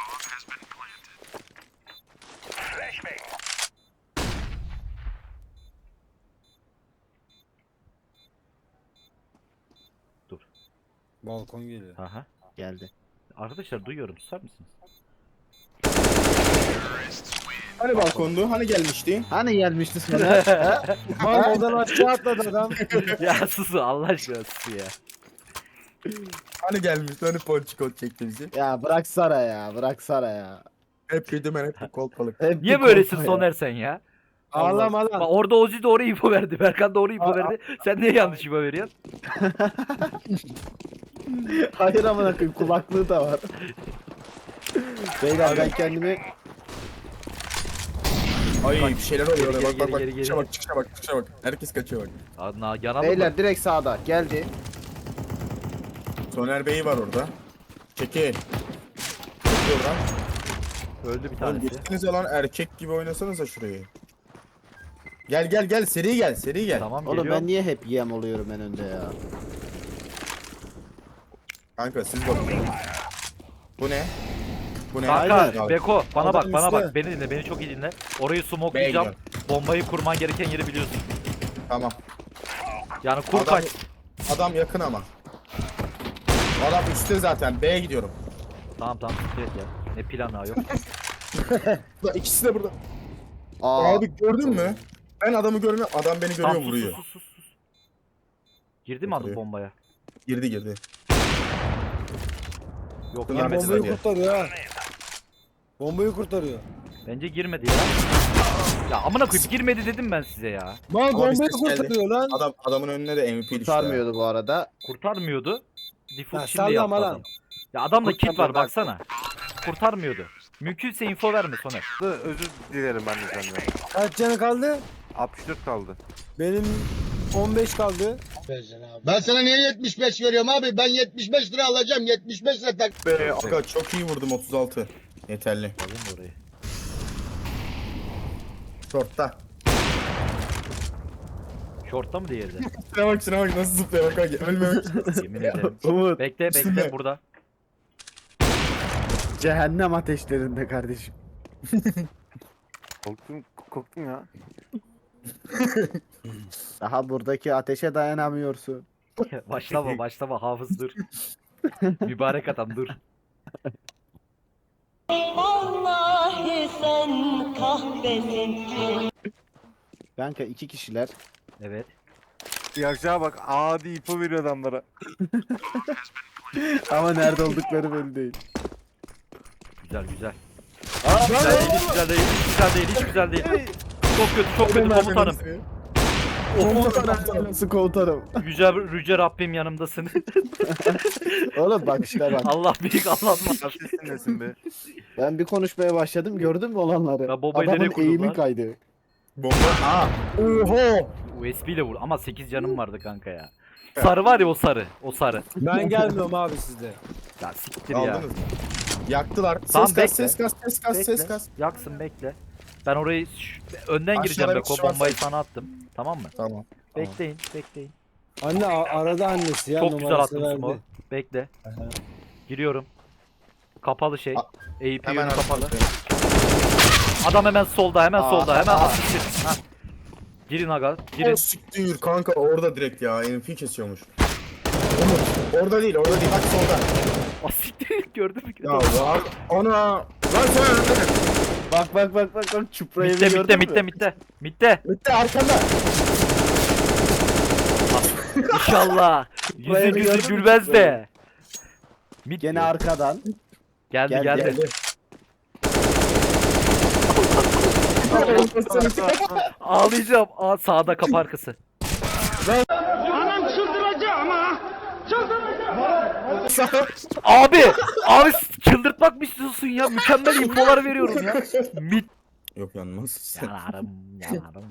[SPEAKER 4] Balkon geliyor.
[SPEAKER 3] Aha.
[SPEAKER 1] Geldi.
[SPEAKER 3] Arkadaşlar duyuyorum susar mısınız?
[SPEAKER 5] Hani balkondu? Hani gelmişti?
[SPEAKER 1] Hani gelmişti sana?
[SPEAKER 4] Mal odan aşağı atladı adam.
[SPEAKER 3] Ya susu Allah aşkına susu ya.
[SPEAKER 5] Hani gelmişti? Hani ponçikot çekti bizi?
[SPEAKER 1] ya bırak Sara ya bırak Sara ya.
[SPEAKER 5] Hep yedim ben hep bir kolpalık.
[SPEAKER 1] Hep
[SPEAKER 3] Niye
[SPEAKER 1] bir
[SPEAKER 3] böylesin
[SPEAKER 1] korku ya.
[SPEAKER 3] Soner sen ya?
[SPEAKER 4] Ağlama
[SPEAKER 3] Bak
[SPEAKER 4] lan.
[SPEAKER 3] orada Ozi doğru info verdi. Berkan doğru info verdi. Sen niye yanlış info veriyorsun?
[SPEAKER 1] Hayır amına koyayım kulaklığı da var. Beyler ben kendimi
[SPEAKER 5] Ay bir şeyler oluyor.
[SPEAKER 3] geri,
[SPEAKER 5] Bak bak
[SPEAKER 3] geri,
[SPEAKER 5] bak.
[SPEAKER 3] geri,
[SPEAKER 5] Çıkışa
[SPEAKER 3] geri.
[SPEAKER 5] bak çıkışa bak çıkışa bak. Herkes kaçıyor bak.
[SPEAKER 3] Adna yanalım mı?
[SPEAKER 1] Beyler direkt sağda geldi.
[SPEAKER 5] Soner Bey var orada. Çekil. Çekil oradan.
[SPEAKER 3] Öldü bir
[SPEAKER 5] Oğlum
[SPEAKER 3] tanesi.
[SPEAKER 5] geçtiniz ya lan erkek gibi oynasanıza şurayı. Gel gel gel seri gel seri gel.
[SPEAKER 3] Tamam
[SPEAKER 1] Oğlum
[SPEAKER 3] geliyor.
[SPEAKER 1] ben niye hep yem oluyorum en önde ya?
[SPEAKER 5] Kanka siz bakın. Bu ne? Bu ne?
[SPEAKER 3] Kanka
[SPEAKER 5] Aynen.
[SPEAKER 3] Beko bana
[SPEAKER 4] Adam
[SPEAKER 3] bak bana
[SPEAKER 4] üstte.
[SPEAKER 3] bak beni dinle beni çok iyi dinle. Orayı
[SPEAKER 5] B'ye
[SPEAKER 3] smokelayacağım.
[SPEAKER 5] gidiyorum.
[SPEAKER 3] Bombayı kurman gereken yeri biliyorsun.
[SPEAKER 5] Tamam.
[SPEAKER 3] Yani kur
[SPEAKER 5] Adam,
[SPEAKER 3] kaç.
[SPEAKER 5] adam yakın ama. Adam üstte zaten. B'ye gidiyorum.
[SPEAKER 3] Tamam tamam siktir et ya. Ne planı ha, yok.
[SPEAKER 5] Bak, İkisi de burada.
[SPEAKER 1] Aa,
[SPEAKER 5] Abi gördün mü? Ben adamı görmüyorum. Adam beni görüyor
[SPEAKER 3] Tamam sus
[SPEAKER 5] vuruyor.
[SPEAKER 3] sus sus sus. Girdi mi adam
[SPEAKER 5] Oturuyor.
[SPEAKER 3] bombaya?
[SPEAKER 5] Girdi girdi.
[SPEAKER 3] Yok
[SPEAKER 5] Bunlar
[SPEAKER 3] girmedi.
[SPEAKER 5] bombayı
[SPEAKER 4] Bombayı kurtarıyor ha. Bombayı kurtarıyor.
[SPEAKER 3] Bence girmedi ya. Ya amına koyayım girmedi dedim ben size ya.
[SPEAKER 4] Mal
[SPEAKER 5] Ama
[SPEAKER 4] bombayı
[SPEAKER 5] bir ses geldi.
[SPEAKER 4] kurtarıyor lan.
[SPEAKER 5] Adam adamın önüne de M V P düştü.
[SPEAKER 1] kurtarmıyordu bu arada.
[SPEAKER 3] Kurtarmıyordu. Default
[SPEAKER 4] Ya
[SPEAKER 3] şimdi yaptı
[SPEAKER 4] sallama lan.
[SPEAKER 3] adam. Ya adamda kit var
[SPEAKER 1] Kurtarmıyor, bak.
[SPEAKER 3] baksana. Kurtarmıyordu. Mümkünse info verme Soner.
[SPEAKER 2] Özür dilerim ben de senden.
[SPEAKER 4] Kaç canı kaldı?
[SPEAKER 2] altmış dört kaldı.
[SPEAKER 4] Benim on beş kaldı.
[SPEAKER 8] Ben sana niye yetmiş beş veriyorum abi? Ben yetmiş beş lira alacağım. yetmiş beş lira tak.
[SPEAKER 5] Be, aga çok iyi vurdum otuz altı. Yeterli.
[SPEAKER 3] Alayım mı orayı?
[SPEAKER 5] Short'ta.
[SPEAKER 3] Short'ta mı diğeri de?
[SPEAKER 5] Şuna bak şuna bak nasıl zıplıyor bak bak ölmemek için.
[SPEAKER 3] Yemin ederim.
[SPEAKER 1] Umut
[SPEAKER 3] Bekle bekle
[SPEAKER 5] Üstünde.
[SPEAKER 3] burada.
[SPEAKER 1] cehennem ateşlerinde kardeşim.
[SPEAKER 2] Korktum, korktum ya.
[SPEAKER 1] Daha buradaki ateşe dayanamıyorsun.
[SPEAKER 3] başlama başlama hafız dur. Mübarek adam dur.
[SPEAKER 9] Vallahi sen kahvesin.
[SPEAKER 1] Kanka iki kişiler.
[SPEAKER 3] Evet.
[SPEAKER 2] Yaşa bak adi ipo veriyor adamlara.
[SPEAKER 1] Ama nerede oldukları belli değil.
[SPEAKER 3] Güzel güzel. Güzel değil, hiç güzel değil, hiç güzel değil, hiç güzel değil. Çok kötü, çok kötü komutanım.
[SPEAKER 1] Komutanım. Nasıl komutanım?
[SPEAKER 3] Yüce, yüce Rabbim yanımdasın.
[SPEAKER 1] Oğlum bak işte bak.
[SPEAKER 3] Allah büyük Allah var.
[SPEAKER 2] Nasılsın nesin be?
[SPEAKER 1] Ben bir konuşmaya başladım gördün mü olanları?
[SPEAKER 3] Ya babayı nereye
[SPEAKER 1] Adamın
[SPEAKER 3] kurdun
[SPEAKER 1] eğimi
[SPEAKER 3] lan?
[SPEAKER 1] kaydı.
[SPEAKER 5] Bomba. Aa. Oho.
[SPEAKER 3] U S B ile vur ama sekiz canım vardı kanka ya. Sarı var ya o sarı, o sarı.
[SPEAKER 4] Ben gelmiyorum abi sizde.
[SPEAKER 3] Ya siktir ya.
[SPEAKER 5] Aldınız mı? Yaktılar. Ses
[SPEAKER 3] Tamam,
[SPEAKER 5] kas,
[SPEAKER 3] bekle.
[SPEAKER 5] ses kas, ses kas, ses
[SPEAKER 3] Bekle.
[SPEAKER 5] kas.
[SPEAKER 3] Yaksın bekle. Ben orayı şu- önden
[SPEAKER 5] Aşağıda
[SPEAKER 3] gireceğim
[SPEAKER 5] bir
[SPEAKER 3] Beko.
[SPEAKER 5] kişi var
[SPEAKER 3] Bombayı
[SPEAKER 5] sanki.
[SPEAKER 3] sana attım. Tamam mı?
[SPEAKER 5] Tamam.
[SPEAKER 3] Bekleyin, bekleyin.
[SPEAKER 4] Anne a- arada annesi ya
[SPEAKER 3] Çok güzel
[SPEAKER 4] numarası
[SPEAKER 3] attım
[SPEAKER 4] verdi.
[SPEAKER 3] smoke. Bekle. Giriyorum. Kapalı şey.
[SPEAKER 5] A-
[SPEAKER 3] A P
[SPEAKER 5] Hemen
[SPEAKER 3] yönü kapalı.
[SPEAKER 5] arkasındayım.
[SPEAKER 3] Adam hemen solda, hemen
[SPEAKER 1] Aa,
[SPEAKER 3] solda, hemen
[SPEAKER 1] aa.
[SPEAKER 3] asistir. Ha. Girin aga, girin.
[SPEAKER 5] Siktir kanka orada direkt ya. M V P kesiyormuş. Umut orada değil orada değil bak solda.
[SPEAKER 3] Asistir gördün mü?
[SPEAKER 5] Ya var. Ana. Lan sen önünde.
[SPEAKER 1] Bak bak bak bak bak çuprayı
[SPEAKER 3] Mitte, mitte,
[SPEAKER 1] gördün
[SPEAKER 3] mitte,
[SPEAKER 1] mü?
[SPEAKER 3] mitte. Mitte.
[SPEAKER 5] Bitti arkanda.
[SPEAKER 3] İnşallah.
[SPEAKER 1] Buraya
[SPEAKER 3] Yüzü
[SPEAKER 1] bir
[SPEAKER 3] yüzü
[SPEAKER 1] gördün mü
[SPEAKER 3] gülmez
[SPEAKER 1] çuprayı?
[SPEAKER 3] de. Mit
[SPEAKER 1] Gene
[SPEAKER 3] diyor.
[SPEAKER 1] arkadan.
[SPEAKER 3] geldi
[SPEAKER 1] Gel,
[SPEAKER 3] geldi.
[SPEAKER 5] Geldi.
[SPEAKER 3] Ağlayacağım. Aa, sağda kapı arkası. Abi, abi çıldırtmak mı istiyorsun ya? Mükemmel infolar veriyorum ya. Mit.
[SPEAKER 5] Yok yanmaz.
[SPEAKER 3] Yalarım, yalarım.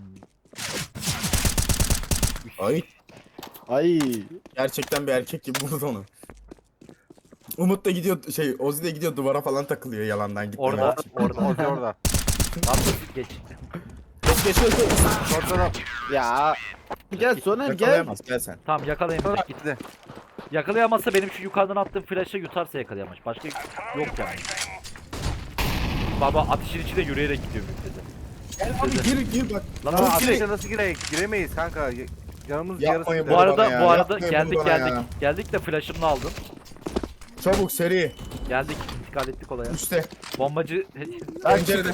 [SPEAKER 5] Ay
[SPEAKER 1] Ay.
[SPEAKER 5] gerçekten bir erkek gibi vurdu onu. Umut da gidiyor şey Ozi de gidiyor duvara falan takılıyor yalandan gitmemek
[SPEAKER 3] Orada,
[SPEAKER 5] için.
[SPEAKER 3] orada.
[SPEAKER 2] Orada orada.
[SPEAKER 3] Nasıl geç?
[SPEAKER 5] Geç geç geç.
[SPEAKER 2] Ortada.
[SPEAKER 1] Ya. Gel Soner gel.
[SPEAKER 5] Yakalayamaz gel sen.
[SPEAKER 3] Tamam yakalayamaz. Git.
[SPEAKER 2] Gitti.
[SPEAKER 3] Yakalayamazsa benim şu yukarıdan attığım flash'ı yutarsa yakalayamaz. Başka yok yani. Baba ateşin içinde yürüyerek gidiyor müftede.
[SPEAKER 5] Gel abi gir gir bak.
[SPEAKER 3] Lan
[SPEAKER 2] Ama
[SPEAKER 3] abi,
[SPEAKER 2] ateşe nasıl giremeyiz? Giremeyiz kanka. Y- Canımız
[SPEAKER 5] Yapmayın
[SPEAKER 2] yarısı.
[SPEAKER 3] bu arada
[SPEAKER 5] bana ya,
[SPEAKER 3] bu arada
[SPEAKER 5] yapmayın
[SPEAKER 3] geldik
[SPEAKER 5] bunu bana
[SPEAKER 3] geldik.
[SPEAKER 5] ya.
[SPEAKER 3] Geldik de flash'ımla aldım.
[SPEAKER 5] Çabuk seri.
[SPEAKER 3] Geldik intikal ettik olaya.
[SPEAKER 5] Üste.
[SPEAKER 3] Bombacı
[SPEAKER 5] Pencerede.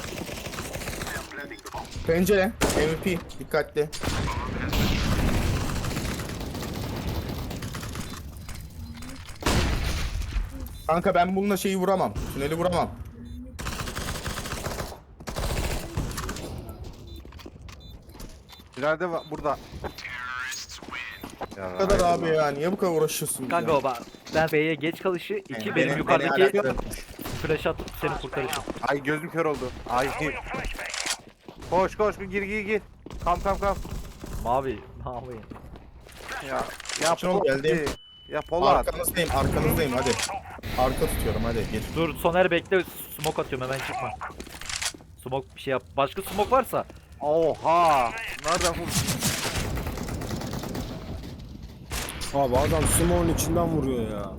[SPEAKER 5] Pencere. M V P. Dikkatli. Kanka ben bununla şeyi vuramam. Tüneli vuramam.
[SPEAKER 2] İleride va- burada. Ya,
[SPEAKER 5] Ne kadar abi ya? Niye bu kadar uğraşıyorsun?
[SPEAKER 3] kanka
[SPEAKER 5] ya?
[SPEAKER 3] o bak. Ben B'ye geç kalışı, iki
[SPEAKER 5] Yani
[SPEAKER 3] benim
[SPEAKER 5] beni-
[SPEAKER 3] yukarıdaki
[SPEAKER 5] beni alakadar-
[SPEAKER 3] flash atıp seni kurtarışım.
[SPEAKER 2] Ay gözüm kör oldu. Ay. Koş koş gir gir gir. Kam kam kam.
[SPEAKER 3] Mavi, mavi.
[SPEAKER 2] Ya ya
[SPEAKER 5] Çabuk
[SPEAKER 2] Polat.
[SPEAKER 5] geldi.
[SPEAKER 2] Ya Polat.
[SPEAKER 5] Arkanızdayım, arkanızdayım hadi. Arka tutuyorum hadi gir.
[SPEAKER 3] Dur Soner bekle, smoke atıyorum hemen çıkma. Smoke bir şey yap. Başka smoke varsa
[SPEAKER 2] Oha. Nereden vurdun?
[SPEAKER 4] Abi adam Simo'nun içinden vuruyor ya.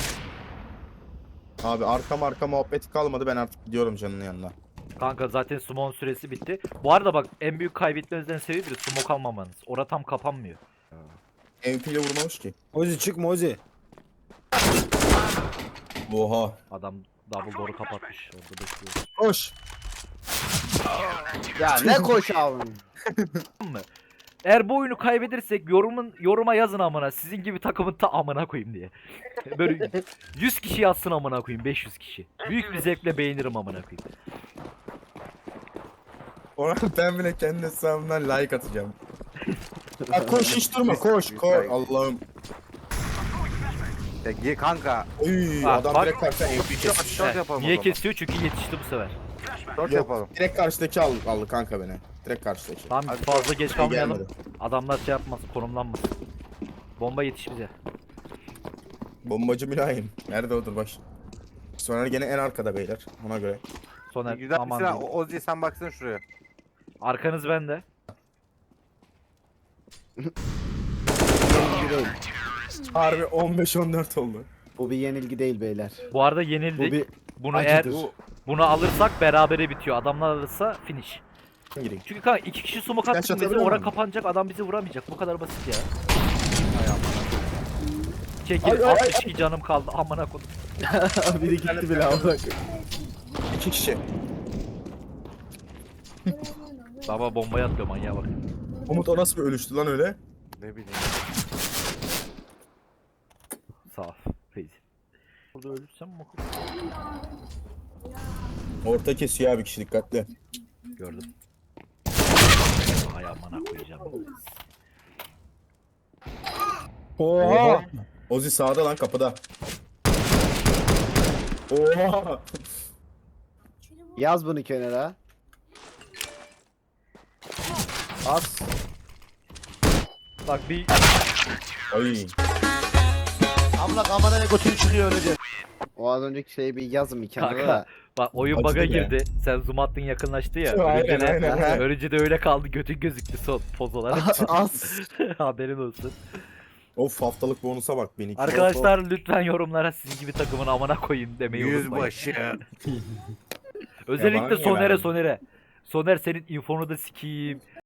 [SPEAKER 5] Abi arka arka muhabbeti kalmadı ben artık gidiyorum canının yanına.
[SPEAKER 3] kanka zaten smoke'un süresi bitti. Bu arada bak en büyük kaybetmenizden sebebi de smoke almamanız. Ora tam kapanmıyor.
[SPEAKER 5] M V P ile vurmamış ki.
[SPEAKER 4] Ozi çıkma Ozi.
[SPEAKER 5] Oha.
[SPEAKER 3] Adam double door'u kapatmış. Orada bekliyor.
[SPEAKER 5] Koş.
[SPEAKER 1] Ya ne koş abi.
[SPEAKER 3] Eğer bu oyunu kaybedersek yorumun yoruma yazın amına. Sizin gibi takımın ta amına koyayım diye. Böyle yüz kişi yazsın amına koyayım, beş yüz kişi. Büyük bir zevkle beğenirim amına koyayım.
[SPEAKER 5] Ona ben bile kendi hesabımdan like atacağım. Ya koş hiç durma koş koş. Allah'ım.
[SPEAKER 2] Ya gir kanka.
[SPEAKER 5] Uy
[SPEAKER 3] Bak,
[SPEAKER 5] adam
[SPEAKER 3] bak.
[SPEAKER 5] direkt karşıdan M V P
[SPEAKER 2] Short,
[SPEAKER 5] kesmiş.
[SPEAKER 2] short
[SPEAKER 3] Heh,
[SPEAKER 2] yapalım.
[SPEAKER 3] niye
[SPEAKER 2] o zaman.
[SPEAKER 3] kesiyor? Çünkü yetişti bu sefer.
[SPEAKER 2] Short
[SPEAKER 5] Yok,
[SPEAKER 2] yapalım.
[SPEAKER 5] direkt karşıdaki aldı, aldı kanka beni. Direkt karşıdaki.
[SPEAKER 3] Tamam
[SPEAKER 2] Hadi
[SPEAKER 3] fazla geç kalmayalım.
[SPEAKER 5] gelmedi.
[SPEAKER 3] Adamlar şey yapmasın, konumlanmasın. Bomba yetiş bize.
[SPEAKER 5] Bombacı mülayim. Nerede odur baş? Soner gene en arkada beyler. Ona göre.
[SPEAKER 3] Soner
[SPEAKER 2] Güzel bir
[SPEAKER 3] aman
[SPEAKER 2] silah.
[SPEAKER 3] diyeyim.
[SPEAKER 2] O- Ozi sen baksana şuraya.
[SPEAKER 3] Arkanız bende.
[SPEAKER 1] Yenilgi değil.
[SPEAKER 5] Harbi on beş on dört oldu.
[SPEAKER 1] Bu bir yenilgi değil beyler.
[SPEAKER 3] Bu arada
[SPEAKER 1] Bu
[SPEAKER 3] yenildik.
[SPEAKER 1] bir
[SPEAKER 3] Bunu eğer
[SPEAKER 1] acıdır.
[SPEAKER 3] bunu alırsak berabere bitiyor. Adamlar alırsa finish.
[SPEAKER 5] Gireyim.
[SPEAKER 3] Çünkü kanka iki kişi smoke
[SPEAKER 5] Flash
[SPEAKER 3] attık bizi
[SPEAKER 5] atabiliyor
[SPEAKER 3] ora
[SPEAKER 5] muyum?
[SPEAKER 3] kapanacak, adam bizi vuramayacak. Bu kadar basit ya. Çekil,
[SPEAKER 5] Ay, ay, ay,
[SPEAKER 3] altmış iki canım kaldı amına koydum.
[SPEAKER 1] biri gitti bile abi bak.
[SPEAKER 5] İki kişi.
[SPEAKER 3] Baba bombayı atıyor manyağa bak.
[SPEAKER 5] Umut o nasıl bir ölüştü lan öyle?
[SPEAKER 2] Ne bileyim.
[SPEAKER 3] Sağ ol. Feyzi. Burada ölürsem mi?
[SPEAKER 5] Orta kesiyor abi kişi dikkatli.
[SPEAKER 3] Gördüm. Ay amına koyacağım.
[SPEAKER 4] Oha.
[SPEAKER 5] Ozi sağda lan kapıda. Oha.
[SPEAKER 1] Yaz bunu kenara. As.
[SPEAKER 3] Bak bir
[SPEAKER 5] Ay.
[SPEAKER 1] Abla kameraya götün çıkıyor öylece. O az önceki şeyi bir yazın bir kenara
[SPEAKER 3] Kanka,
[SPEAKER 1] da.
[SPEAKER 3] bak oyun
[SPEAKER 5] Acıdı
[SPEAKER 3] bug'a
[SPEAKER 5] be.
[SPEAKER 3] girdi. Sen zoom attın yakınlaştı ya.
[SPEAKER 5] Aynen,
[SPEAKER 3] Ölünce de,
[SPEAKER 5] aynen, aynen.
[SPEAKER 3] ölünce de öyle kaldı. Götün gözüktü son poz olarak.
[SPEAKER 1] As.
[SPEAKER 3] Haberin olsun.
[SPEAKER 5] Of haftalık bonusa bak beni.
[SPEAKER 3] Arkadaşlar lütfen yorumlara sizin gibi takımın amına koyayım demeyi unutmayın.
[SPEAKER 2] Yüzbaşı.
[SPEAKER 3] Özellikle
[SPEAKER 5] niye
[SPEAKER 3] Soner'e
[SPEAKER 5] verdin?
[SPEAKER 3] Soner'e. Soner senin infonu da sikeyim.